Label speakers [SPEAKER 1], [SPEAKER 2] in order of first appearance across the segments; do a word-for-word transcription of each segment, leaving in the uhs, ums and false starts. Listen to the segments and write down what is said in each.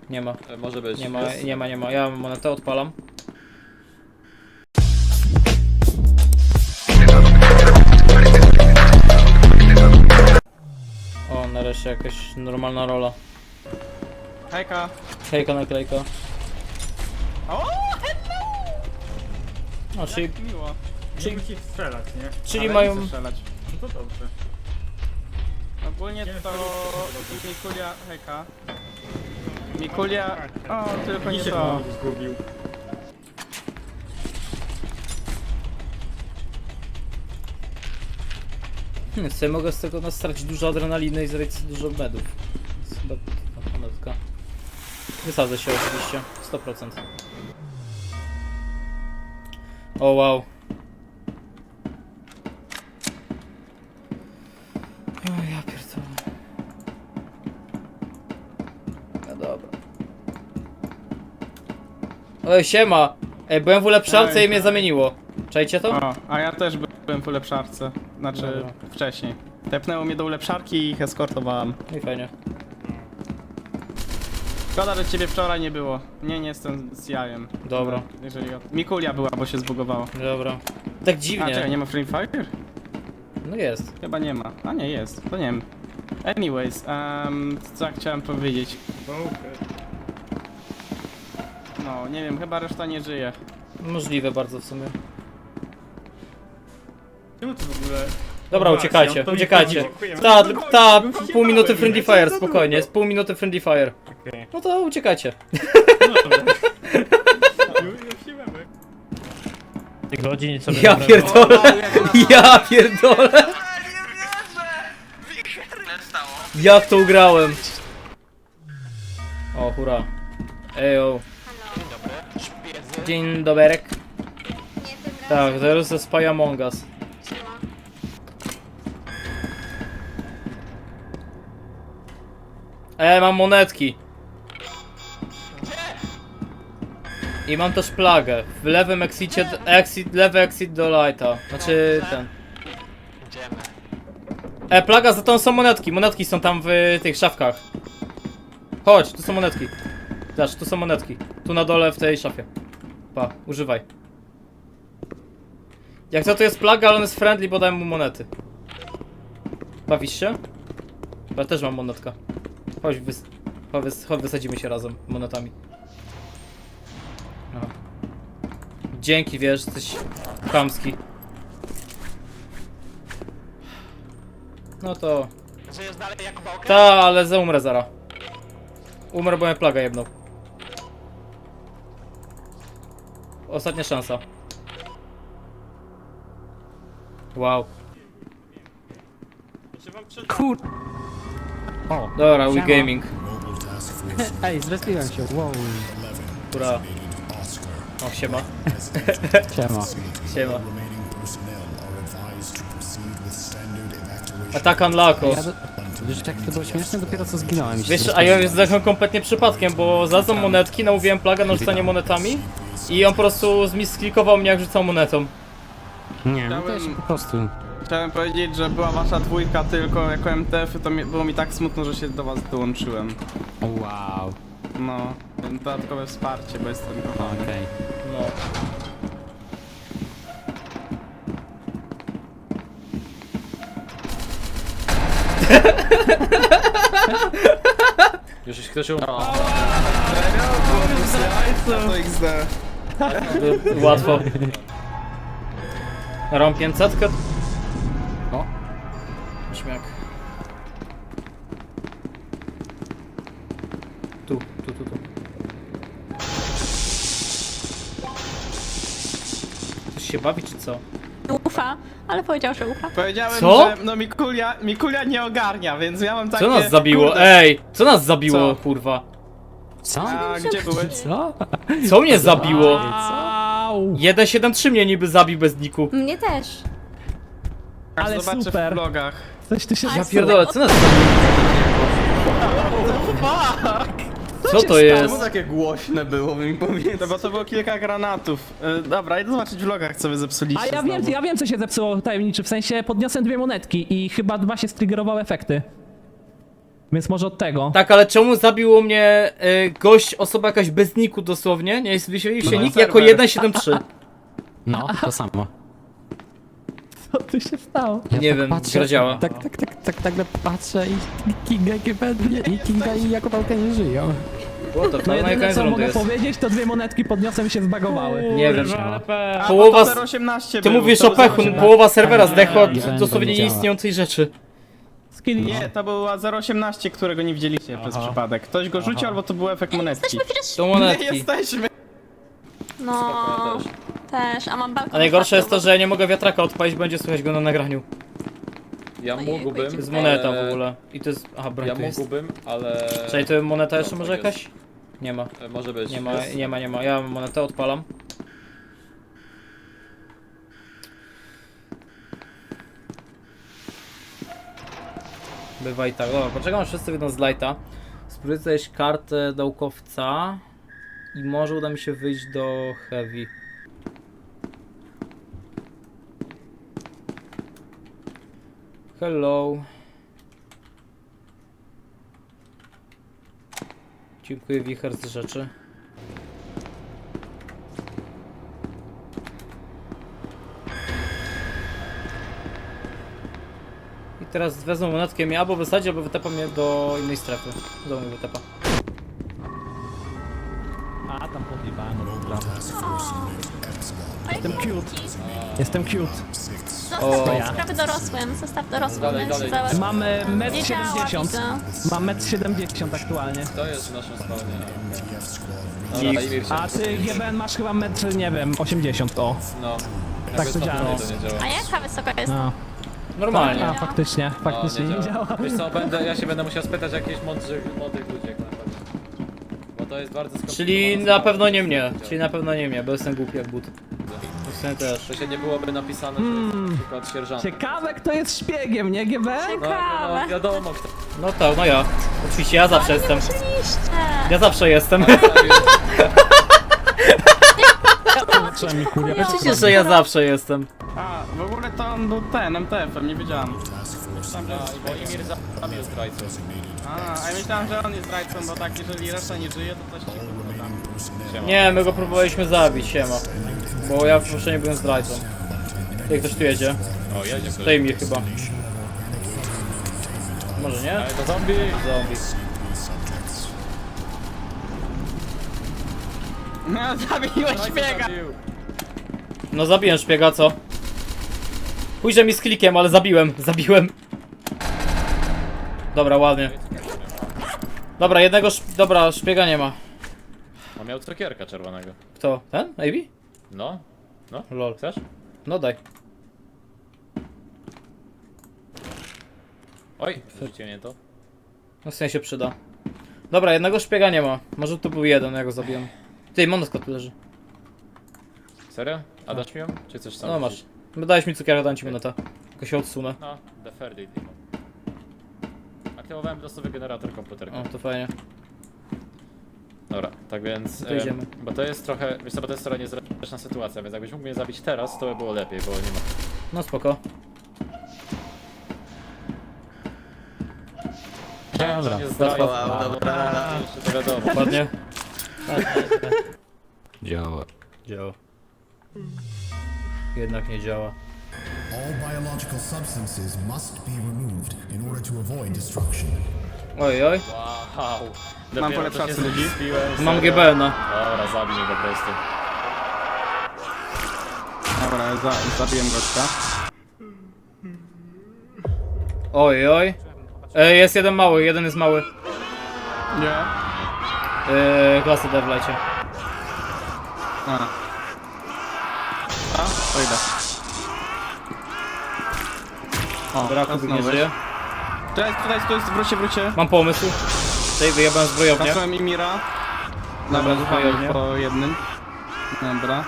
[SPEAKER 1] Nie ma.
[SPEAKER 2] E, Może być.
[SPEAKER 1] Nie ma,
[SPEAKER 2] Jest.
[SPEAKER 1] nie ma, nie ma. Ja mam monetę, odpalam. O, nareszcie jakaś normalna rola.
[SPEAKER 3] Hejka.
[SPEAKER 1] Hejka, naklejka.
[SPEAKER 3] O,
[SPEAKER 1] O, czyli,
[SPEAKER 3] jak miło.
[SPEAKER 1] czyli,
[SPEAKER 4] Nie musi strzelać, nie?
[SPEAKER 1] czyli
[SPEAKER 3] Ale
[SPEAKER 1] mają...
[SPEAKER 3] nie chcę strzelać.
[SPEAKER 4] No to dobrze.
[SPEAKER 3] Ogólnie
[SPEAKER 4] Nie,
[SPEAKER 3] to...
[SPEAKER 4] to-
[SPEAKER 3] Mikulia... Hejka. Mikulia... O, tylko nie
[SPEAKER 4] Mi się
[SPEAKER 3] to.
[SPEAKER 4] zgubił.
[SPEAKER 1] Hmm, sobie mogę z tego nastracić dużo adrenaliny i zrobić sobie dużo medów. Jest chyba taka monetka. Wysadzę się oczywiście, sto procent. O wow. O ja pierdolę. No dobra. Oj, siema! Ej, byłem w ulepszalce i mnie zamieniło. Czajcie to?
[SPEAKER 3] O, a ja też byłem w ulepszarce. Znaczy,
[SPEAKER 1] Dobra.
[SPEAKER 3] wcześniej. Tepnęło mnie do ulepszarki i ich eskortowałem.
[SPEAKER 1] No i fajnie.
[SPEAKER 3] Szkoda, że ciebie wczoraj nie było. Nie, nie jestem z jajem.
[SPEAKER 1] Dobra.
[SPEAKER 3] Jeżeli... Mikulia była, bo się zbugowało.
[SPEAKER 1] Dobra. Tak
[SPEAKER 3] A,
[SPEAKER 1] dziwnie.
[SPEAKER 3] czekaj, nie ma Free Fire?
[SPEAKER 1] No jest.
[SPEAKER 3] Chyba nie ma. A nie, jest. To nie wiem. Anyways, um, co ja chciałem powiedzieć?
[SPEAKER 4] No, okej.
[SPEAKER 3] No, nie wiem, chyba reszta nie żyje.
[SPEAKER 1] Możliwe bardzo w sumie.
[SPEAKER 4] Czemu to w ogóle...
[SPEAKER 1] Dobra,
[SPEAKER 4] No
[SPEAKER 1] uciekajcie,
[SPEAKER 4] właśnie, to mi
[SPEAKER 1] uciekajcie.
[SPEAKER 4] chodzi, dziękuję.
[SPEAKER 1] Ta,
[SPEAKER 4] No
[SPEAKER 1] ta,
[SPEAKER 4] gościu,
[SPEAKER 1] pół minuty
[SPEAKER 4] gościu,
[SPEAKER 1] friendly
[SPEAKER 4] co
[SPEAKER 1] fire,
[SPEAKER 4] za
[SPEAKER 1] spokojnie,
[SPEAKER 4] długo?
[SPEAKER 1] jest pół minuty friendly fire.
[SPEAKER 4] Okej.
[SPEAKER 1] No to uciekajcie.
[SPEAKER 4] No dobra. Już, już się mamy.
[SPEAKER 5] Tych godzin sobie
[SPEAKER 1] Ja
[SPEAKER 5] dobrego.
[SPEAKER 1] pierdolę, ja pierdolę. Jak to ugrałem? O, hura. Ejo. Dzień doberek. Tak, teraz ze Spy Among Us. E, mam monetki. I mam też plagę. W lewym exicie, exit, lewy exit do lighta. Znaczy ten. E, plaga, za tą są monetki. Monetki są tam w tych szafkach. Chodź, tu są monetki. Zobacz, tu są monetki. Tu na dole w tej szafie. Pa, używaj. Jak to to jest plaga, ale on jest friendly, bo dałem mu monety. Bawisz się? Ja też mam monetka. Chodź, wys chodź, wys chodź wysadzimy się razem monetami. Aha. Dzięki, wiesz, jesteś chamski. No to...
[SPEAKER 6] Żyjesz dalej jak bałkę?
[SPEAKER 1] Ta, ale za umrę zara. Umrę, bo mnie plaga jedną. Ostatnia szansa. Wow.
[SPEAKER 5] Kur... O,
[SPEAKER 1] Dobra, we
[SPEAKER 5] siema.
[SPEAKER 1] gaming.
[SPEAKER 5] Ej, zrespiłem się, wow.
[SPEAKER 1] Która... O, siema.
[SPEAKER 5] Siema.
[SPEAKER 1] Siema. Attack Unlocko.
[SPEAKER 5] Ja do... Wiesz, jak to było śmieszne? Dopiero co zginąłem. i się
[SPEAKER 1] Wiesz, a
[SPEAKER 5] zrespiłem.
[SPEAKER 1] ja zdechłem kompletnie przypadkiem, bo znalazłem monetki, namówiłem plagę na rzucanie monetami i on po prostu zmisklikował mnie, jak rzucał monetą.
[SPEAKER 5] Nie, no to ja się po prostu...
[SPEAKER 3] Chciałem powiedzieć, że była wasza dwójka tylko jako M T F, to mi, było mi tak smutno, że się do was dołączyłem.
[SPEAKER 5] Wow.
[SPEAKER 3] No, dodatkowe wsparcie, bo jestem kochany.
[SPEAKER 5] Okej.
[SPEAKER 1] No.
[SPEAKER 2] Już jeśli ktoś umie.
[SPEAKER 3] To X D.
[SPEAKER 1] Y, Łatwo. Rom pięćset?
[SPEAKER 5] O.
[SPEAKER 1] Śmiak. Tu, tu, tu, tu. Ktoś się bawi, czy co?
[SPEAKER 7] Ufa, ale powiedział, że ufa.
[SPEAKER 3] Powiedziałem,
[SPEAKER 1] Co?
[SPEAKER 3] że no Mikulia, Mikulia nie ogarnia, więc ja mam takie...
[SPEAKER 1] Co nas zabiło?
[SPEAKER 3] kurde,
[SPEAKER 1] Ej! Co nas zabiło,
[SPEAKER 3] Co?
[SPEAKER 1] kurwa?
[SPEAKER 5] Co?
[SPEAKER 3] A gdzie byłeś?
[SPEAKER 5] Co?
[SPEAKER 1] Co mnie zabiło?
[SPEAKER 5] Au.
[SPEAKER 1] jeden siedem trzy mnie niby zabił bez niku.
[SPEAKER 7] Mnie też.
[SPEAKER 3] Aż
[SPEAKER 5] Ale
[SPEAKER 3] zobaczę
[SPEAKER 5] super.
[SPEAKER 3] w vlogach.
[SPEAKER 5] Coś tu się
[SPEAKER 1] Ja pierdolę, co nas zabiło? Co to jest?
[SPEAKER 2] takie głośne było, mi powiedz.
[SPEAKER 3] No bo to było kilka granatów. Y, dobra, idę zobaczyć w vlogach, co wy zepsuliście
[SPEAKER 8] A ja
[SPEAKER 3] znowu.
[SPEAKER 8] wiem, ja wiem co się zepsuło tajemniczy, w sensie podniosłem dwie monetki i chyba dwa się striggerowały efekty.
[SPEAKER 4] Więc może od tego.
[SPEAKER 1] Tak, ale czemu zabiło mnie y, gość, osoba jakaś bez niku dosłownie? Nie jest wyświetlił się
[SPEAKER 3] No,
[SPEAKER 1] nick
[SPEAKER 3] serwer.
[SPEAKER 1] jako jeden siedem trzy.
[SPEAKER 5] No, to samo.
[SPEAKER 4] Co tu się stało?
[SPEAKER 5] Ja
[SPEAKER 1] Nie
[SPEAKER 5] tak
[SPEAKER 1] wiem,
[SPEAKER 5] patrzę,
[SPEAKER 1] gra działa.
[SPEAKER 5] Tak, tak, tak, tak, nagle patrzę i Kinga i Kevin, i Kinga i Jakubałka nie żyją.
[SPEAKER 1] What the fuck?
[SPEAKER 4] No
[SPEAKER 1] No i
[SPEAKER 4] jedyne
[SPEAKER 1] koniec
[SPEAKER 4] co
[SPEAKER 1] rundy
[SPEAKER 4] mogę
[SPEAKER 1] jest.
[SPEAKER 4] powiedzieć, to dwie monetki podniosłem i się zbagowały.
[SPEAKER 1] Nie wiem.
[SPEAKER 3] A,
[SPEAKER 1] Połowa
[SPEAKER 3] bo
[SPEAKER 1] z-
[SPEAKER 3] to zero osiemnaście
[SPEAKER 1] Ty
[SPEAKER 3] był,
[SPEAKER 1] mówisz
[SPEAKER 3] to
[SPEAKER 1] o
[SPEAKER 3] był
[SPEAKER 1] pechu,
[SPEAKER 3] zero osiemnaście.
[SPEAKER 1] połowa serwera zdechła
[SPEAKER 5] nie,
[SPEAKER 1] od
[SPEAKER 5] nie,
[SPEAKER 1] dosłownie
[SPEAKER 5] nie działa.
[SPEAKER 1] nieistniejącej rzeczy.
[SPEAKER 4] Skill
[SPEAKER 3] Nie, to była zero osiemnaście, którego nie widzieliście przez
[SPEAKER 4] Aha.
[SPEAKER 3] przypadek. Ktoś go rzucił, albo to był efekt monetki.
[SPEAKER 7] Jesteśmy przecież...
[SPEAKER 1] To
[SPEAKER 3] Nie
[SPEAKER 1] monetki.
[SPEAKER 3] jesteśmy!
[SPEAKER 7] No... Też, a mam balkon.
[SPEAKER 1] A najgorsze jest to,
[SPEAKER 7] otwarty,
[SPEAKER 1] że ja nie mogę wiatraka odpalić, będzie słychać go na nagraniu.
[SPEAKER 6] Ja
[SPEAKER 7] Ojej,
[SPEAKER 6] mógłbym.
[SPEAKER 1] To jest moneta w
[SPEAKER 6] ale-
[SPEAKER 1] ogóle. I to jest... Aha, broń
[SPEAKER 6] Ja
[SPEAKER 1] to jest.
[SPEAKER 6] mógłbym, ale...
[SPEAKER 1] Czyli to moneta jeszcze
[SPEAKER 6] No,
[SPEAKER 1] może
[SPEAKER 6] tak
[SPEAKER 1] jakaś? Nie ma.
[SPEAKER 6] E, Może być.
[SPEAKER 1] Nie ma,
[SPEAKER 6] Jest.
[SPEAKER 1] nie ma, nie ma. Ja mam monetę, odpalam. Bywa i tak. Dobra, poczekam aż wszyscy wyjdą z lighta. Spróbuję znaleźć kartę naukowca i może uda mi się wyjść do heavy. Hello. Dziękuję, wicher z rzeczy. I teraz wezmę monetkę mnie albo wysadzi, albo wytepa mnie do innej strefy. Do mnie wytepa.
[SPEAKER 4] A, tam podjebałem. Dobra. Jestem cute. Jestem cute.
[SPEAKER 7] Zostaw
[SPEAKER 1] O.
[SPEAKER 7] te sprawy dorosłym, zostaw dorosłym.
[SPEAKER 6] Dalej,
[SPEAKER 7] my się
[SPEAKER 6] dalej.
[SPEAKER 7] załatwimy.
[SPEAKER 4] Mamy metr
[SPEAKER 7] Nie działa,
[SPEAKER 4] siedemdziesiąt.
[SPEAKER 7] widzę.
[SPEAKER 4] Mam metr siedemdziesiąt aktualnie.
[SPEAKER 6] To jest w naszym spawnie. Dobra, na imię
[SPEAKER 4] A ty G B N masz chyba metr, nie wiem, osiemdziesiąt, o.
[SPEAKER 6] No.
[SPEAKER 4] Tak
[SPEAKER 6] Jakby
[SPEAKER 4] to działa.
[SPEAKER 6] To nie działa.
[SPEAKER 7] A jaka wysoka jest?
[SPEAKER 4] No.
[SPEAKER 1] Normalnie.
[SPEAKER 4] A, faktycznie, faktycznie
[SPEAKER 6] No,
[SPEAKER 4] nie działa.
[SPEAKER 6] Wiesz co, będę, ja się będę musiał spytać jakichś mądrych, młodych ludzi jak na pewno. Bo to jest bardzo skomplikowane.
[SPEAKER 1] Czyli na pewno nie mnie. Czyli na pewno nie mnie, bo jestem głupi jak but. Jestem też.
[SPEAKER 6] To się nie byłoby napisane, że jest na przykład sierżant.
[SPEAKER 4] Ciekawe kto jest szpiegiem, nie G B N?
[SPEAKER 6] No,
[SPEAKER 7] Ciekawe.
[SPEAKER 6] no wiadomo kto.
[SPEAKER 1] No tak, no ja. Oczywiście ja zawsze jestem.
[SPEAKER 7] Oczywiście.
[SPEAKER 1] Ja zawsze jestem.
[SPEAKER 4] Trzeba mi kuria.
[SPEAKER 1] Oczywiście, że ja zawsze jestem.
[SPEAKER 3] A, w ogóle to on był ten, M T F-em, nie wiedziałem.
[SPEAKER 6] Bo Imir zabił zdrajcę.
[SPEAKER 3] A, a ja myślałem, że on jest zdrajcą, bo tak, jeżeli reszta nie żyje, to coś ci kurwa tam.
[SPEAKER 6] Siema.
[SPEAKER 1] Nie, my go próbowaliśmy zabić, siema. Bo ja w nie byłem zdrajcą. Tutaj ktoś tu jedzie.
[SPEAKER 6] O, jedzie ktoś.
[SPEAKER 1] To mi chyba. Może nie?
[SPEAKER 6] Ale to zombie!
[SPEAKER 1] Zombie.
[SPEAKER 3] No, zabiłeś szpiega!
[SPEAKER 6] Zabił.
[SPEAKER 1] No zabiłem szpiega, co? Pójdzie mi z klikiem, ale zabiłem, zabiłem. Dobra, ładnie. Dobra, jednego sz... Dobra, szpiega nie ma.
[SPEAKER 6] On miał cukierka czerwonego.
[SPEAKER 1] Kto? Ten? A B?
[SPEAKER 6] No. No.
[SPEAKER 1] Lol.
[SPEAKER 6] Chcesz?
[SPEAKER 1] No daj.
[SPEAKER 6] Oj, wrzucicie mnie to.
[SPEAKER 1] No w sensie przyda. Dobra, jednego szpiega nie ma. Może tu był jeden, ja go zabiłem. Ty, monotka tu leży.
[SPEAKER 6] Serio? A dasz mi ją? Czy chcesz sam?
[SPEAKER 1] No masz.
[SPEAKER 6] wrzucić?
[SPEAKER 1] Dałeś mi cukierka, dam ci monetę. Tylko się odsunę.
[SPEAKER 6] No, the fair deal. Aktywowałem losowy generator komputerka.
[SPEAKER 1] O, to fajnie.
[SPEAKER 6] Dobra, tak więc...
[SPEAKER 1] To idziemy.
[SPEAKER 6] em, bo to jest trochę... Wiesz co, bo to jest trochę niezręczna sytuacja, więc jakbyś mógł mnie zabić teraz, to by było lepiej, bo nie ma...
[SPEAKER 1] No spoko.
[SPEAKER 6] Dobra, nie zdrajca.
[SPEAKER 2] Wow, dobra.
[SPEAKER 6] Jeszcze to wiadomo.
[SPEAKER 1] Ładnie.
[SPEAKER 5] Działa.
[SPEAKER 1] Działa. Jednak nie działa.
[SPEAKER 8] All biological substances must be removed in order to avoid destruction.
[SPEAKER 1] Oj, oj.
[SPEAKER 6] Wow.
[SPEAKER 3] Mam
[SPEAKER 6] Dopiero
[SPEAKER 3] polepszacy
[SPEAKER 6] to się
[SPEAKER 3] ludzi.
[SPEAKER 6] zrespiłem,
[SPEAKER 1] Mam
[SPEAKER 6] serio.
[SPEAKER 1] G B N-a.
[SPEAKER 6] Dobra, zabij mnie po prostu.
[SPEAKER 3] Dobra, za, zabiłem gościa.
[SPEAKER 1] Oj, oj. E, jest jeden mały, jeden jest mały.
[SPEAKER 3] Nie?
[SPEAKER 1] E, klasy D w lecie.
[SPEAKER 3] A. A? To idę. O,
[SPEAKER 1] Dobra,
[SPEAKER 3] teraz
[SPEAKER 1] Kubik nie
[SPEAKER 3] znowu.
[SPEAKER 1] żyje.
[SPEAKER 3] Cześć, tutaj, tutaj, wróćcie, wróćcie.
[SPEAKER 1] Mam pomysł. Tutaj wyjebałem zbrojownię.
[SPEAKER 3] Kasłem Imira.
[SPEAKER 1] Dobra,
[SPEAKER 3] Dobra,
[SPEAKER 1] zbrojownię.
[SPEAKER 3] po jednym. Dobra.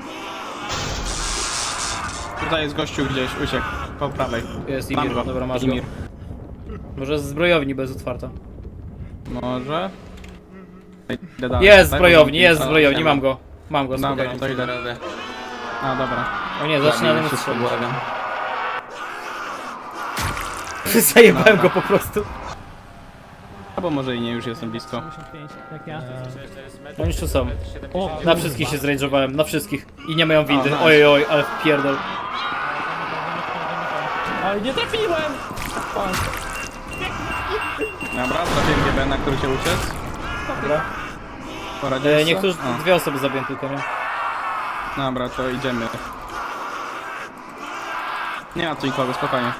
[SPEAKER 3] Tutaj jest gościu gdzieś, uciekł. Po prawej.
[SPEAKER 1] Jest
[SPEAKER 3] Mam
[SPEAKER 1] Imir,
[SPEAKER 3] go.
[SPEAKER 1] dobra, masz
[SPEAKER 3] Imir.
[SPEAKER 1] go. Może z zbrojowni bez otwarta.
[SPEAKER 3] Może? Idę dalej,
[SPEAKER 1] Jest
[SPEAKER 3] tak?
[SPEAKER 1] zbrojowni, jest
[SPEAKER 3] A,
[SPEAKER 1] zbrojowni,
[SPEAKER 3] siema.
[SPEAKER 1] mam go. Mam go,
[SPEAKER 3] Dobra,
[SPEAKER 1] spokojnie.
[SPEAKER 3] to idę.
[SPEAKER 2] Robię.
[SPEAKER 3] A, dobra.
[SPEAKER 1] O nie, zaczyna
[SPEAKER 2] Zabijmy
[SPEAKER 1] mnie
[SPEAKER 2] wszystko,
[SPEAKER 1] strzelać.
[SPEAKER 2] błagam.
[SPEAKER 1] Zajebałem go po prostu.
[SPEAKER 3] Albo może i nie, już jestem blisko.
[SPEAKER 4] osiemdziesiąt pięć, jak ja.
[SPEAKER 1] Oni już tu są.
[SPEAKER 4] O,
[SPEAKER 1] Na wszystkich się zrage'owałem, na wszystkich. I nie mają windy.
[SPEAKER 3] O, nice.
[SPEAKER 1] Oj, oj, ale wpierdol.
[SPEAKER 4] Oj, nie trafiłem!
[SPEAKER 3] Dobra, trafiłem G B, na który się uciec.
[SPEAKER 1] Dobra.
[SPEAKER 3] Poradziłeś
[SPEAKER 1] E,
[SPEAKER 3] sobie?
[SPEAKER 1] niektórzy,
[SPEAKER 3] O,
[SPEAKER 1] dwie osoby zabiję tylko, nie?
[SPEAKER 3] dobra, to idziemy. Nie ma tu nikogo, spokojnie.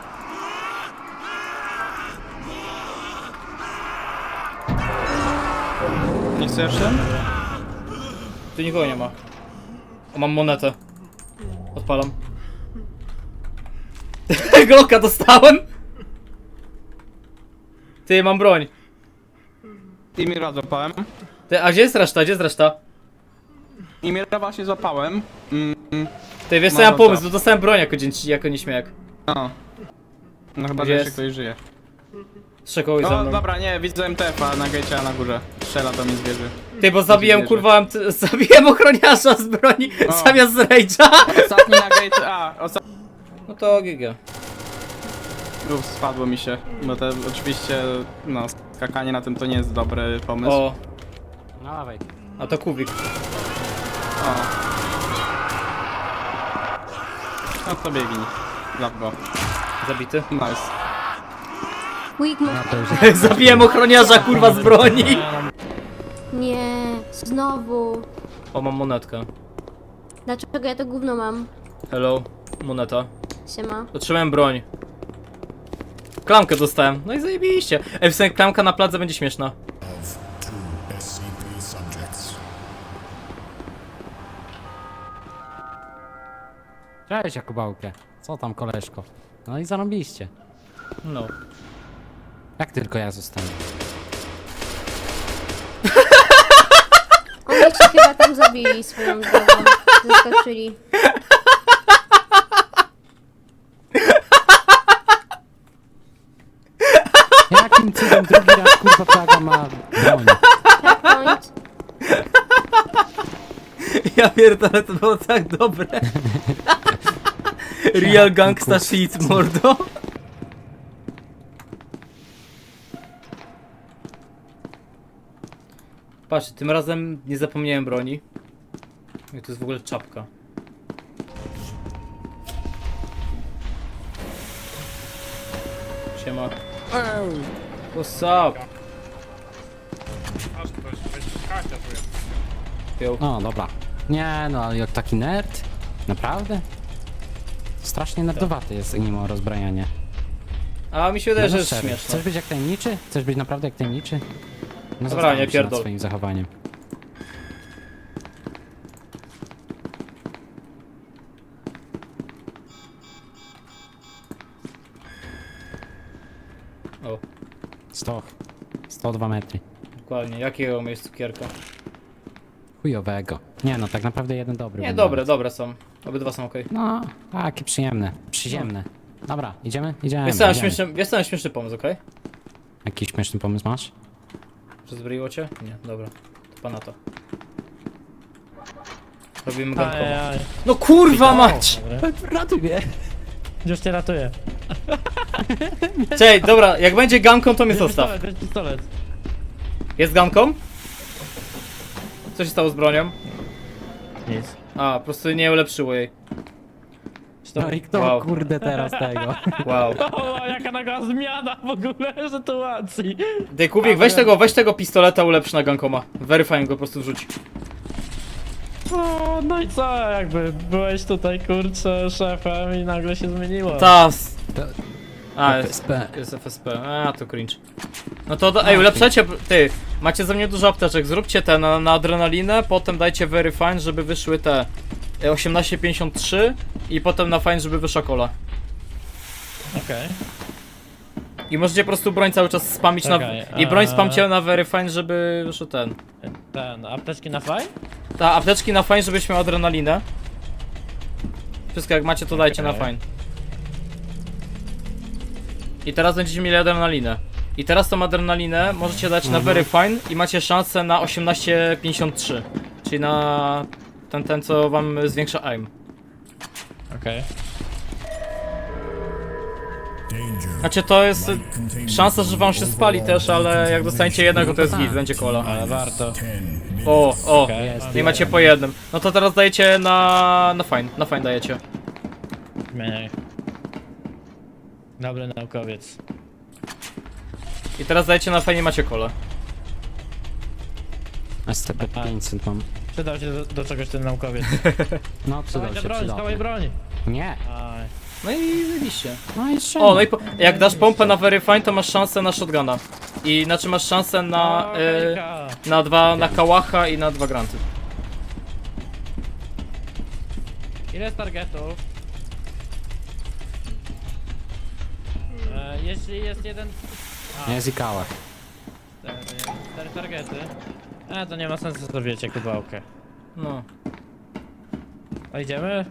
[SPEAKER 3] Nie chcesz jeszcze?
[SPEAKER 1] Tu nikogo nie ma. O, mam monetę. Odpalam. Glocka dostałem! Ty, mam broń.
[SPEAKER 3] I Mira złapałem.
[SPEAKER 1] Ty, a gdzie jest reszta? Gdzie jest reszta?
[SPEAKER 3] I Mira właśnie złapałem. Mm, mm,
[SPEAKER 1] Ty, wiesz co,
[SPEAKER 3] No,
[SPEAKER 1] ja mam
[SPEAKER 3] no
[SPEAKER 1] pomysł,
[SPEAKER 3] to.
[SPEAKER 1] bo dostałem broń jako, dzięci, jako nieśmiałek.
[SPEAKER 3] no. No chyba,
[SPEAKER 1] Gdzie
[SPEAKER 3] że jeszcze
[SPEAKER 1] jest?
[SPEAKER 3] ktoś żyje.
[SPEAKER 1] Strzekołeś za
[SPEAKER 3] No
[SPEAKER 1] mną.
[SPEAKER 3] dobra, nie, widzę M T F-a na gejcie na górze. Strzela do mnie zwierzy.
[SPEAKER 1] Ty, bo zabiłem,
[SPEAKER 3] zwierzę.
[SPEAKER 1] kurwa, M T- zabiłem ochroniarza z broni
[SPEAKER 3] O.
[SPEAKER 1] zamiast z rage'a.
[SPEAKER 3] Ostatni na gate, a, ostatni.
[SPEAKER 1] No to G G.
[SPEAKER 3] Uff, spadło mi się, bo to oczywiście, no, skakanie na tym to nie jest dobry pomysł.
[SPEAKER 1] O,
[SPEAKER 5] No dawaj.
[SPEAKER 1] a to kubik.
[SPEAKER 3] O. No to biegnij. Zap go.
[SPEAKER 1] Zabity.
[SPEAKER 3] Nice.
[SPEAKER 7] Quick move.
[SPEAKER 5] No to już
[SPEAKER 1] Zabiłem ochroniarza, kurwa, z broni.
[SPEAKER 7] Nie, znowu.
[SPEAKER 1] O, mam monetkę.
[SPEAKER 7] Dlaczego ja to gówno mam?
[SPEAKER 1] Hello, moneta.
[SPEAKER 7] Siema.
[SPEAKER 1] Otrzymałem broń. Klamkę dostałem. No i zajebiście. Ej, w sensie klamka na pladze będzie śmieszna.
[SPEAKER 8] Of two S C P subjects.
[SPEAKER 5] Cześć Jakubałkę. Co tam koleżko? No i zarobiliście.
[SPEAKER 1] No.
[SPEAKER 5] Jak tylko ja zostanę.
[SPEAKER 7] Oni się chyba tam zabili swoją drogą. Zaskoczyli.
[SPEAKER 5] Jakim cudem drugi raz kurwa plaga ma broń?
[SPEAKER 7] Checkpoint.
[SPEAKER 1] Ja pierdolę, to było tak dobre. Real gangsta shit, mordo. Patrz, tym razem nie zapomniałem broni. I to jest w ogóle czapka. Siema. What's up? Yo.
[SPEAKER 5] No dobra. Nie no, ale jak taki nerd? Naprawdę? Strasznie nerdowaty jest mimo rozbrajania.
[SPEAKER 1] A mi się wydaje,
[SPEAKER 5] No
[SPEAKER 1] że
[SPEAKER 5] no
[SPEAKER 1] jest
[SPEAKER 5] serio.
[SPEAKER 1] śmieszne.
[SPEAKER 5] Chcesz być jak tajemniczy? Chcesz być naprawdę jak tajemniczy? No
[SPEAKER 1] Dobra,
[SPEAKER 5] zastanów
[SPEAKER 1] nie
[SPEAKER 5] się
[SPEAKER 1] pierdol.
[SPEAKER 5] nad swoim zachowaniem.
[SPEAKER 1] O,
[SPEAKER 5] sto. sto dwa metry.
[SPEAKER 1] dokładnie. Jakiego miejsca cukierka?
[SPEAKER 5] Chujowego. Nie no, tak naprawdę jeden dobry.
[SPEAKER 1] Nie,
[SPEAKER 5] był
[SPEAKER 1] dobre,
[SPEAKER 5] nawet.
[SPEAKER 1] dobre są. Obydwa są okej.
[SPEAKER 5] No, takie przyjemne. Przyziemne. Dobra, idziemy? Idziemy.
[SPEAKER 1] Wiesz co, mam
[SPEAKER 5] idziemy.
[SPEAKER 1] śmieszny, wiesz co, mam śmieszny pomysł, okej?
[SPEAKER 5] Jakiś śmieszny pomysł masz?
[SPEAKER 1] Przezbroiło cię? Nie, dobra. To pana to. Robimy gankowo.
[SPEAKER 4] Ajaj.
[SPEAKER 1] No kurwa mać!
[SPEAKER 5] Ratuj mnie.
[SPEAKER 4] Już cię ratuję.
[SPEAKER 1] Cześć, dobra, jak będzie ganką, to mnie zostaw.
[SPEAKER 4] Pistolet, bierz pistolet.
[SPEAKER 1] Jest ganką? Co się stało z bronią?
[SPEAKER 4] Nic.
[SPEAKER 1] A, po prostu nie ulepszyło jej.
[SPEAKER 5] No i kto
[SPEAKER 1] Wow.
[SPEAKER 5] kurde teraz tego?
[SPEAKER 1] Wow.
[SPEAKER 4] O, jaka naga zmiana w ogóle sytuacji.
[SPEAKER 1] Dej Kubik, weź tego, weź tego pistoleta, ulepsz na gankoma. Verifying go po prostu wrzuć.
[SPEAKER 4] O, no i co, jakby byłeś tutaj, kurczę, szefem i nagle się zmieniło.
[SPEAKER 1] Tas.
[SPEAKER 5] To-
[SPEAKER 1] A,
[SPEAKER 5] F S
[SPEAKER 1] jest,
[SPEAKER 5] P.
[SPEAKER 1] jest F S P. A, to cringe. No to, do, ej, ulepszajcie, ty, macie ze mnie dużo apteczek, zróbcie te na, na adrenalinę, potem dajcie very fine, żeby wyszły te e, osiemnaście pięćdziesiąt trzy i potem na fine, żeby wyszła kola.
[SPEAKER 4] Okej.
[SPEAKER 1] I możecie po prostu broń cały czas spamić
[SPEAKER 4] Czekaj,
[SPEAKER 1] na... I broń
[SPEAKER 4] eee.
[SPEAKER 1] spamcie na very fine, żeby wyszło ten.
[SPEAKER 4] Ten, apteczki na faj?
[SPEAKER 1] Ta, apteczki na fine, żebyś miał adrenalinę. Wszystko jak macie, to dajcie na
[SPEAKER 4] Okej.
[SPEAKER 1] fine. I teraz będziecie mieli adrenalinę. I teraz tą adrenalinę możecie dać na very fine i macie szansę na osiemnaście pięćdziesiąt trzy. Czyli na ten, ten co wam zwiększa aim.
[SPEAKER 4] Okej.
[SPEAKER 8] Danger.
[SPEAKER 1] Znaczy to jest szansa, że wam się spali też, ale jak dostaniecie jednego, to jest git, będzie kola.
[SPEAKER 4] Ale warto.
[SPEAKER 1] O, o,
[SPEAKER 4] Okej.
[SPEAKER 1] i macie po jednym. No to teraz dajecie na... na fine, na fine dajecie.
[SPEAKER 4] Zmieniaj. Dobry naukowiec.
[SPEAKER 1] I teraz dajecie na fine i macie kolę.
[SPEAKER 5] S C P pięćset mam.
[SPEAKER 4] Przydał się do, do czegoś ten naukowiec.
[SPEAKER 5] No przydał
[SPEAKER 4] Dawaj
[SPEAKER 5] się,
[SPEAKER 4] broń,
[SPEAKER 5] przydał.
[SPEAKER 4] dawaj broń.
[SPEAKER 5] Nie.
[SPEAKER 4] Aj.
[SPEAKER 1] No i wyjście.
[SPEAKER 5] No i jeszcze.
[SPEAKER 1] O, no i po, jak dasz pompę na very fine, to masz szansę na shotguna. I znaczy masz szansę na...
[SPEAKER 4] O,
[SPEAKER 1] Y,
[SPEAKER 4] hejka.
[SPEAKER 1] na dwa, na kałacha i na dwa granty.
[SPEAKER 4] Ile jest targetów? E, jeśli jest jeden... A,
[SPEAKER 5] Jest i kałach.
[SPEAKER 4] cztery, cztery targety. E, to nie ma sensu, to wiecie, kubałkę.
[SPEAKER 1] No.
[SPEAKER 4] A idziemy?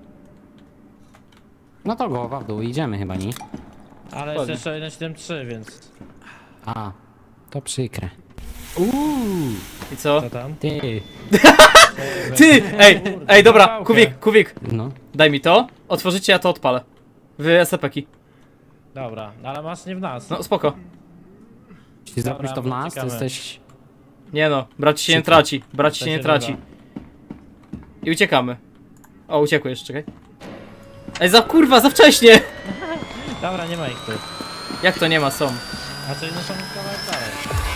[SPEAKER 5] No to głowa w dół, idziemy chyba, nie?
[SPEAKER 4] Ale jest
[SPEAKER 1] Ładnie.
[SPEAKER 4] jeszcze jeden siedem trzy, więc...
[SPEAKER 5] A, to przykre. Uuu,
[SPEAKER 1] I co?
[SPEAKER 4] Co tam?
[SPEAKER 5] ty.
[SPEAKER 1] Ty! Ej, ej, dobra,
[SPEAKER 4] Kawałkę.
[SPEAKER 1] Kuwik, Kuwik,
[SPEAKER 5] No.
[SPEAKER 1] daj mi to, otworzycie, ja to odpalę. Wy S C P-ki.
[SPEAKER 4] Dobra, ale masz nie w nas.
[SPEAKER 1] No spoko.
[SPEAKER 5] Jeśli
[SPEAKER 4] Dobra,
[SPEAKER 5] zrobisz to w nas, to
[SPEAKER 4] uciekamy.
[SPEAKER 5] jesteś...
[SPEAKER 1] Nie no, brać się nie
[SPEAKER 5] Przykro.
[SPEAKER 1] traci, brać
[SPEAKER 4] To
[SPEAKER 1] się nie
[SPEAKER 4] się
[SPEAKER 1] traci.
[SPEAKER 4] bywa.
[SPEAKER 1] I uciekamy. O, uciekłeś, czekaj. Ej, za kurwa, za wcześnie!
[SPEAKER 4] Dobra, nie ma ich tu.
[SPEAKER 1] Jak to nie ma, są?
[SPEAKER 4] A czyli no są kawałek dalej.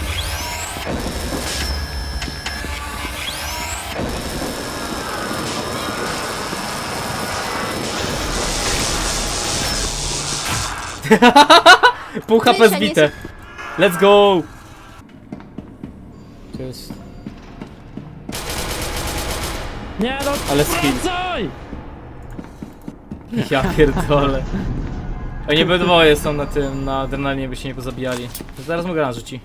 [SPEAKER 1] Pół H P
[SPEAKER 7] Krysia, nie
[SPEAKER 1] zbite. Let's go! To jest...
[SPEAKER 4] Nie no,
[SPEAKER 1] Ale skill.
[SPEAKER 4] wracaj!
[SPEAKER 1] Ja pierdolę. Oni obydwoje są na tym, na adrenalinie, by się nie pozabijali. Zaraz mu granat rzuci.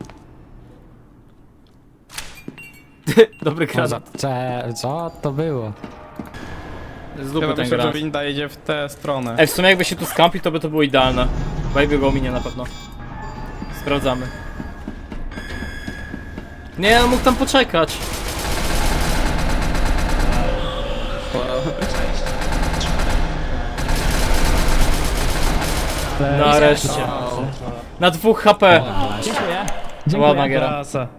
[SPEAKER 1] Dobry
[SPEAKER 5] No, za...
[SPEAKER 1] granat.
[SPEAKER 5] Cze... Co to było?
[SPEAKER 1] Z
[SPEAKER 3] Ja
[SPEAKER 1] dupy ten
[SPEAKER 3] myślę, że
[SPEAKER 1] granat.
[SPEAKER 3] winda idzie w tę stronę.
[SPEAKER 1] Ej, w sumie jakby się tu skampi, to by to było idealne. Baby go minie na pewno. Sprawdzamy. Nie, on mógł tam poczekać. Nareszcie. Na dwóch H P.
[SPEAKER 4] Dziękuję.
[SPEAKER 1] Ładna giera.
[SPEAKER 4] Klasa.